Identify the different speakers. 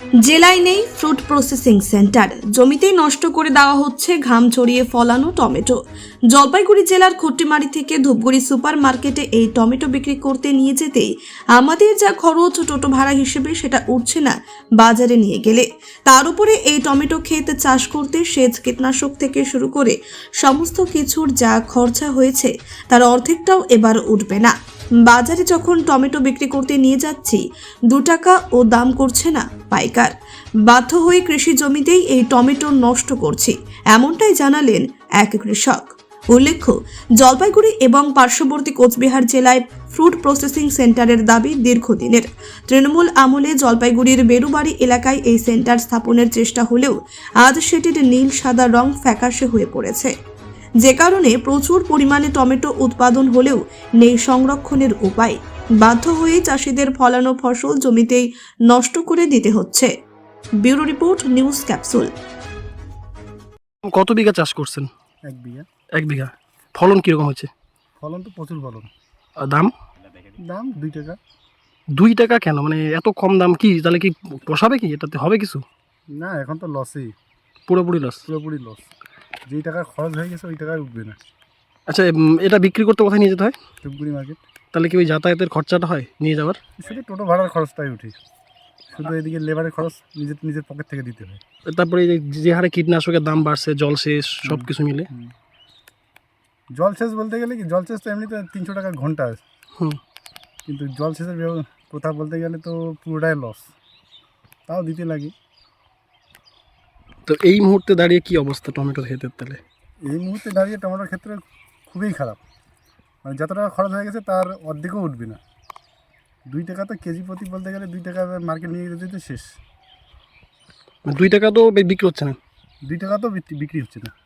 Speaker 1: জেলায় নেই fruit processing centre, জমিতেই নষ্ট করে দেওয়া হচ্ছে ঘাম ছড়িয়ে ফলানো টমেটো। জলপাইগুড়ি জেলার খট্টিমারি থেকে ধূপগুড়ি সুপার মার্কেটে এই টমেটো বিক্রি করতে নিয়ে যেতেই আমাদের যা খরচ টোটো ভাড়া হিসেবে সেটা উঠছে না বাজারে নিয়ে গেলে। তার উপরে এই টমেটো ক্ষেত চাষ করতে সেচ কীটনাশক থেকে শুরু করে সমস্ত কিছুর যা খরচা হয়েছে তার অর্ধেকটাও এবার উঠবে না। বাজারে যখন টমেটো বিক্রি করতে নিয়ে যাচ্ছি 2 টাকা ও দাম করছে না পাইকার। বাধ্য হয়ে কৃষি জমিতেই এই টমেটো নষ্ট করছি, এমনটাই জানালেন এক কৃষক। উল্লেখ্য, জলপাইগুড়ি এবং পার্শ্ববর্তী কোচবিহার জেলায় ফ্রুট প্রসেসিং সেন্টারের দাবি দীর্ঘদিনের। তৃণমূল আমলে জলপাইগুড়ির বেরুবাড়ি এলাকায় এই সেন্টার স্থাপনের চেষ্টা হলেও আজ সেটির নীল সাদা রং ফ্যাকাশে হয়ে পড়েছে, যে কারণে প্রচুর পরিমাণে টমেটো উৎপাদন হলেও নেই সংরক্ষণের উপায়। বাধ্য হয়ে চাষিদের ফলানো ফসল জমিতেই নষ্ট করে দিতে হচ্ছে। Bureau report, news capsule.
Speaker 2: কত বিঘা চাষ করছেন?
Speaker 3: 1 বিঘা।
Speaker 2: 1 বিঘা। ফলন কিরকম হচ্ছে?
Speaker 3: ফলন তো প্রচুর ফলন।
Speaker 2: আর দাম?
Speaker 3: দাম 2 টাকা।
Speaker 2: 2 টাকা কেন? মানে এত কম দাম কি? তাহলে কি পোষাবে কি? এটাতে হবে কিছু?
Speaker 3: না, এখন তো লসই,
Speaker 2: পুরোপুরি লস।
Speaker 3: পুরোপুরি লস। যেই টাকা খরচ হয়ে গেছে ওই টাকায় উঠবে না।
Speaker 2: আচ্ছা, এটা বিক্রি করতে কোথায় নিয়ে যেতে হয়?
Speaker 3: ধূপগুড়ি মার্কেট।
Speaker 2: তাহলে কি ওই যাতায়াতের খরচাটা হয় নিয়ে যাওয়ার?
Speaker 3: শুধু টোটো ভাড়ার খরচটাই উঠে, শুধু এদিকে লেবারের খরচ নিজের পকেট থেকে দিতে হয়।
Speaker 2: তারপরে এই যে হারে কীটনাশকের দাম বাড়ছে, জলসেচ সব কিছু মিলে।
Speaker 3: জলসেচ বলতে গেলে কি, জলসেচ তো এমনিতে 300 টাকা ঘন্টা,
Speaker 2: হুম।
Speaker 3: কিন্তু জলসেচের কথা বলতে গেলে তো পুরোটাই লস, তাও দিতে লাগে।
Speaker 2: তো এই মুহূর্তে দাঁড়িয়ে কি অবস্থা টমেটোর ক্ষেতের? তাহলে
Speaker 3: এই মুহূর্তে দাঁড়িয়ে টমেটোর ক্ষেত্রে খুবই খারাপ। মানে যত টাকা খরচ হয়ে গেছে তার অর্ধেকও উঠবে না। 2 টাকা তো কেজি প্রতি বলতে গেলে 2 টাকা মার্কেট নিয়ে যেতে তো শেষ।
Speaker 2: 2 টাকা তো বিক্রি হচ্ছে না।
Speaker 3: 2 টাকা তো বিক্রি হচ্ছে না।